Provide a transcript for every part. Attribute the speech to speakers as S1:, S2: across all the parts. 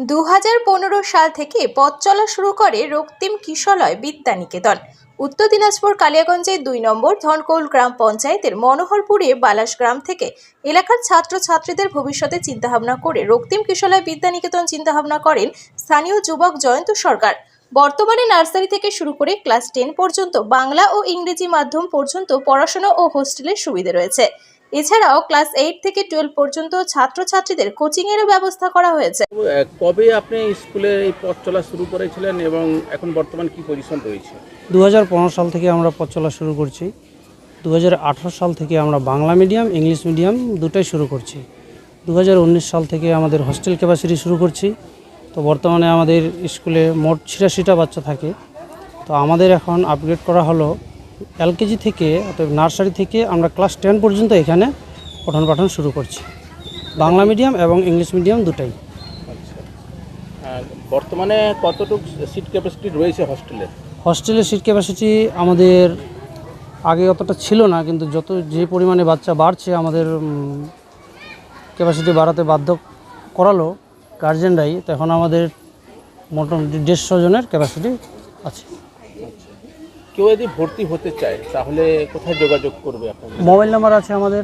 S1: 2015 সাল থেকে পথ চলা শুরু করে রক্তিম কিশলয় বিদ্যানিকেতন। উত্তর দিনাজপুর কালিয়াগঞ্জের 2 নম্বর ধনকৌল গ্রাম পঞ্চায়েতের মনোহরপুরে বালাস গ্রাম থেকে এলাকার ছাত্রছাত্রীদের ভবিষ্যতে চিন্তাভাবনা করে রক্তিম কিশলয় বিদ্যানিকেতন চিন্তাভাবনা করেন স্থানীয় যুবক জয়ন্ত সরকার। বর্তমানে নার্সারি থেকে শুরু করে ক্লাস 10 পর্যন্ত বাংলা ও ইংরেজি মাধ্যম পর্যন্ত পড়াশোনা ও হোস্টেলের সুবিধা রয়েছে। এছাড়াও ক্লাস 8 থেকে 12 পর্যন্ত ছাত্রছাত্রীদের কোচিং এরও ব্যবস্থা করা হয়েছে।
S2: কবে আপনি স্কুলে এই পথ চলা শুরু করেছিলেন এবং এখন বর্তমান কি পজিশন রয়েছে?
S3: 2015 সাল থেকে আমরা পথ চলা শুরু করছি। 2018 সাল থেকে আমরা বাংলা মিডিয়াম ইংলিশ মিডিয়াম দুটাই শুরু করছি। 2019 সাল থেকে আমাদের হোস্টেল ক্যাপাসিটি শুরু করছি। তো বর্তমানে আমাদের স্কুলে মোট 86টা বাচ্চা থাকে। তো আমাদের এখন আপগ্রেড করা হলো এলকেজি থেকে, অর্থাৎ নার্সারি থেকে আমরা ক্লাস 10 পর্যন্ত এখানে পঠন পাঠন শুরু করছি, বাংলা মিডিয়াম এবং ইংলিশ মিডিয়াম দুটাই।
S2: আচ্ছা, বর্তমানে কতটুকু সিট ক্যাপাসিটি রয়েছে হোস্টেলে?
S3: হোস্টেলের সিট ক্যাপাসিটি আমাদের আগে অতটা ছিল না, কিন্তু যে পরিমাণে বাচ্চা বাড়ছে আমাদের ক্যাপাসিটি বাড়াতে বাধ্য করালো গার্জেনরাই। তো এখন আমাদের মোটামুটি 150 জনের ক্যাপাসিটি আছে।
S2: কেউ যদি ভর্তি হতে চায় তাহলে কোথায় যোগাযোগ করবে আপনাদের?
S3: মোবাইল নাম্বার আছে আমাদের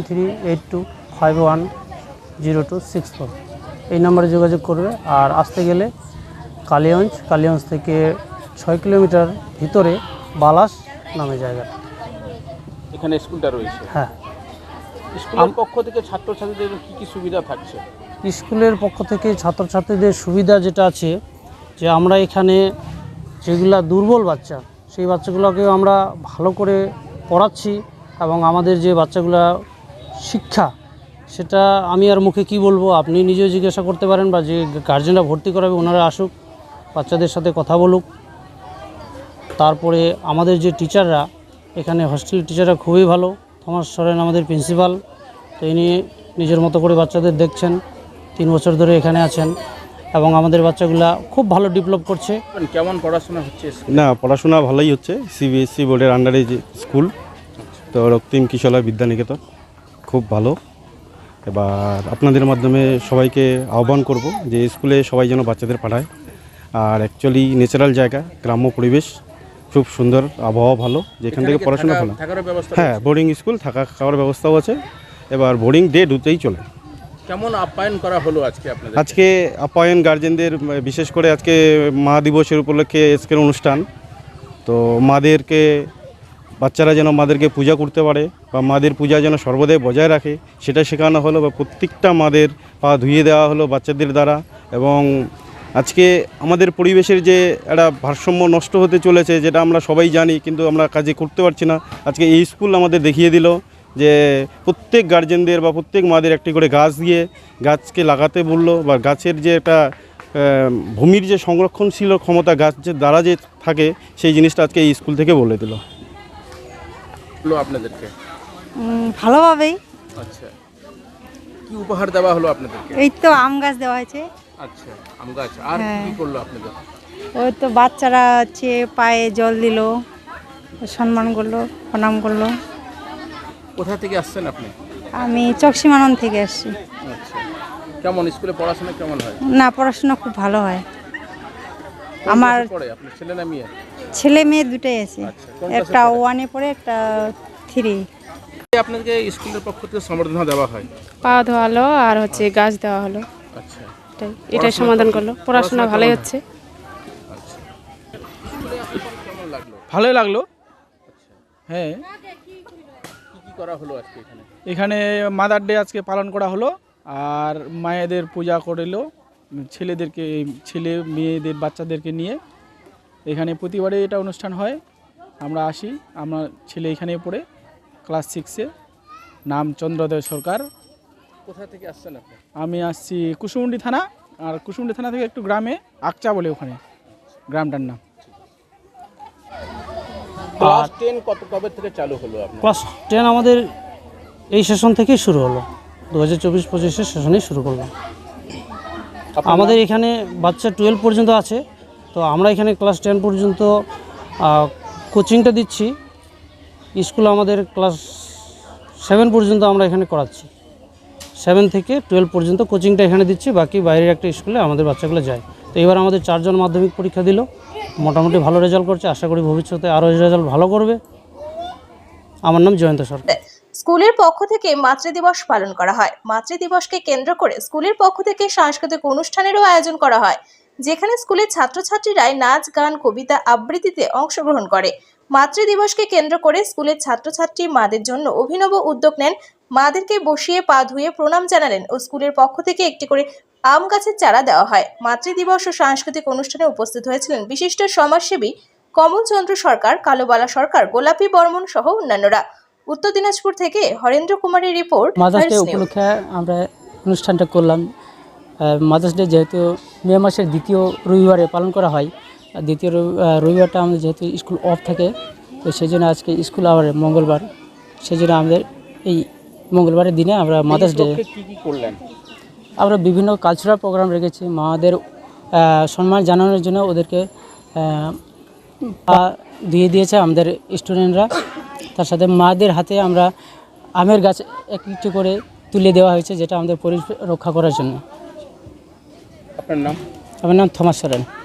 S3: 9382510264। এই নাম্বারে যোগাযোগ করবে। আর আসতে গেলে কালিয়াগঞ্জ থেকে 6 কিলোমিটার ভিতরে বালাস নামে জায়গা,
S2: এখানে স্কুলটা রয়েছে।
S3: হ্যাঁ।
S2: স্কুলের পক্ষ থেকে ছাত্রছাত্রীদের কি কি সুবিধা থাকছে?
S3: স্কুলের পক্ষ থেকে ছাত্রছাত্রীদের সুবিধা যেটা আছে, যে আমরা এখানে যেগুলা দুর্বল বাচ্চা সেই বাচ্চাগুলোকেও আমরা ভালো করে পড়াচ্ছি, এবং আমাদের যে বাচ্চাগুলা শিক্ষা সেটা আমি আর মুখে কি বলবো, আপনি নিজেও জিজ্ঞাসা করতে পারেন, বা যে গার্জেনরা ভর্তি করাবে ওনারা আসুক, বাচ্চাদের সাথে কথা বলুক। তারপরে আমাদের যে টিচাররা এখানে হোস্টেলের টিচাররা খুবই ভালো। থমাস সরেন আমাদের প্রিন্সিপাল, তো ইনি নিজের মতো করে বাচ্চাদের দেখছেন, 3 বছর ধরে এখানে আছেন, এবং আমাদের বাচ্চাগুলা খুব ভালো ডেভেলপ করছে।
S2: কেমন পড়াশোনা হচ্ছে?
S4: না, পড়াশোনা ভালোই হচ্ছে। সিবিএসসি বোর্ডের আন্ডারে যে স্কুল, তো রক্তিম কিশলয় বিদ্যানিকেতন খুব ভালো। এবার আপনাদের মাধ্যমে সবাইকে আহ্বান করব যে স্কুলে সবাই যেন বাচ্চাদের পাঠায়। আর অ্যাকচুয়ালি ন্যাচারাল জায়গা, গ্রাম্য পরিবেশ, খুব সুন্দর আবহাওয়া ভালো, যেখান থেকে পড়াশোনা ভালো। হ্যাঁ, বোর্ডিং স্কুল, থাকা খাওয়ার ব্যবস্থাও আছে। এবার বোর্ডিং ডে দুটোই চলে।
S2: কেমন আপ্যায়ন করা হলো আজকে আপনাদের?
S4: আজকে আপ্যায়ন গার্জেনদের, বিশেষ করে আজকে মা দিবসের উপলক্ষে আজকের অনুষ্ঠান। তো মাদেরকে, বাচ্চারা যেন মাদেরকে পূজা করতে পারে বা মাদের পূজা যেন সর্বদাই বজায় রাখে সেটা শেখানো হলো, বা প্রত্যেকটা মাদের পা ধুইয়ে দেওয়া হলো বাচ্চাদের দ্বারা। এবং আজকে আমাদের পরিবেশের যে একটা ভারসাম্য নষ্ট হতে চলেছে, যেটা আমরা সবাই জানি, কিন্তু আমরা কাজে করতে পারছি না। আজকে এই স্কুল আমাদের দেখিয়ে দিল যে প্রত্যেক গার্জেনদের বা প্রত্যেক মাদের একটি করে গাছ দিয়ে গাছকে লাগাতে বললো, বা গাছের যে একটা ভূমির যে সংরক্ষণশীল ক্ষমতা গাছের দ্বারা যে থাকে, সেই জিনিসটা আজকে এই স্কুল থেকে বলে দিল
S2: আপনাদেরকে
S5: ভালোভাবেই।
S2: আচ্ছা, কি উপহার দেওয়া হলো আপনাদেরকে?
S5: এই তো আম গাছ দেওয়া হয়েছে।
S2: আচ্ছা, আম গাছ। আর কি করলো আপনাদের?
S5: ওই তো বাচ্চারা হচ্ছে পায়ে জল দিল, সম্মান করলো, প্রণাম করলো।
S2: কোথা থেকে আসছেন আপনি?
S5: আমি চকসীমানন থেকে আসছি।
S2: আচ্ছা, কেমন স্কুলে পড়াশোনা কেমন হয়?
S5: না, পড়াশোনা খুব ভালো হয়। আমার
S2: পড়ে আপনার ছেলে না মেয়ে?
S5: ছেলে মেয়ে দুটোই আছে।
S2: আচ্ছা, কোন
S5: একটা
S2: ক্লাসে পড়ে?
S5: 1-এ পড়ে, একটা 3।
S2: আপনাদেরকে স্কুলের পক্ষ থেকে সম্বর্ধনা দেওয়া হয়?
S6: পা ধোয়ালো আর হচ্ছে গাছ দেওয়া হলো।
S2: আচ্ছা,
S6: এটাই সমাধান করলো। পড়াশোনা ভালোই হচ্ছে।
S2: আচ্ছা, স্কুলে আসার পর কেমন লাগলো?
S7: ভালোই লাগলো।
S2: আচ্ছা,
S7: হ্যাঁ,
S2: কি কি করা হলো আজকে এখানে?
S7: এখানে মাদার ডে আজকে পালন করা হলো, আর মায়েদের পূজা করলো, ছেলে মেয়েদের বাচ্চাদেরকে নিয়ে এখানে প্রতিবারে এটা অনুষ্ঠান হয়। আমরা আসি, আমার ছেলে এখানে পড়ে ক্লাস 6-এ, নাম চন্দ্রোদয় সরকার।
S2: কোথা থেকে আসছেন আপনি?
S7: আমি আসছি কুসুমুন্ডি থানা, আর কুসুমুন্ডি থানা থেকে একটু গ্রামে আকচা বলে ওখানে গ্রামটার নাম।
S2: ক্লাস 10 কবে থেকে চালু হলো আপনার?
S3: ক্লাস 10 আমাদের এই সেশন থেকেই শুরু হলো, 2024-25 সেশনেই শুরু করলাম। আমাদের এখানে বাচ্চা 12 পর্যন্ত আছে। তো আমরা এখানে ক্লাস 10 পর্যন্ত কোচিংটা দিচ্ছি। স্কুল আমাদের ক্লাস 7 পর্যন্ত আমরা এখানে করাচ্ছি। 7 থেকে 12 পর্যন্ত কোচিংটা এখানে দিচ্ছি, বাকি বাইরের একটা স্কুলে আমাদের বাচ্চাগুলো যায়। তো এবার আমাদের 4 জন মাধ্যমিক পরীক্ষা দিল, মোটামুটি ভালো রেজাল্ট করছে, আশা করি ভবিষ্যতে আরও রেজাল্ট ভালো করবে। আমার নাম জয়ন্ত সরকার।
S1: স্কুলের পক্ষ থেকে মাতৃদিবস পালন করা হয়। মাতৃদিবসকে কেন্দ্র করে স্কুলের পক্ষ থেকে সাংস্কৃতিক অনুষ্ঠানেরও আয়োজন করা হয়, যেখানে স্কুলের ছাত্রছাত্রীরাই নাচ, গান, কবিতা, আবৃত্তিতে অংশগ্রহণ করে। মাতৃদিবসকে কেন্দ্র করে স্কুলের ছাত্রছাত্রী মাদের জন্য অভিনব উদ্যোগ নেন। মাদেরকে বসিয়ে পা ধুয়ে প্রণাম জানালেন ও স্কুলের পক্ষ থেকে একটি করে আম গাছের চারা দেওয়া হয়। মাতৃদিবস ও সাংস্কৃতিক অনুষ্ঠানে উপস্থিত হয়েছিলেন বিশিষ্ট সমাজসেবী কমলচন্দ্র সরকার, কালোবালা সরকার, গোলাপী বর্মন সহ অন্যান্যরা। উত্তর দিনাজপুর থেকে হরেন্দ্র কুমারের রিপোর্ট।
S8: মাদার্স ডে উপলক্ষে আমরা অনুষ্ঠানটা করলাম। মাদার্স ডে যেহেতু মে মাসের দ্বিতীয় রবিবারে পালন করা হয়, দ্বিতীয় রবিবারটা আমাদের যেহেতু স্কুল অফ থাকে, তো সেই জন্য আজকে স্কুল আওয়ারে মঙ্গলবার, সেই জন্য আমাদের এই মঙ্গলবারের দিনে আমরা মাদার্স ডে
S2: কি করলেন?
S8: আমরা বিভিন্ন কালচারাল প্রোগ্রাম রেখেছি। মাদের সম্মান জানানোর জন্য ওদেরকে দিয়ে দিয়েছে আমাদের স্টুডেন্টরা। তার সাথে মাদের হাতে আমরা আমের গাছ একটু করে তুলে দেওয়া হয়েছে, যেটা আমাদের পরিবেশ রক্ষা করার জন্য।
S2: আপনার নাম?
S8: আমার নাম থমাস সরেন।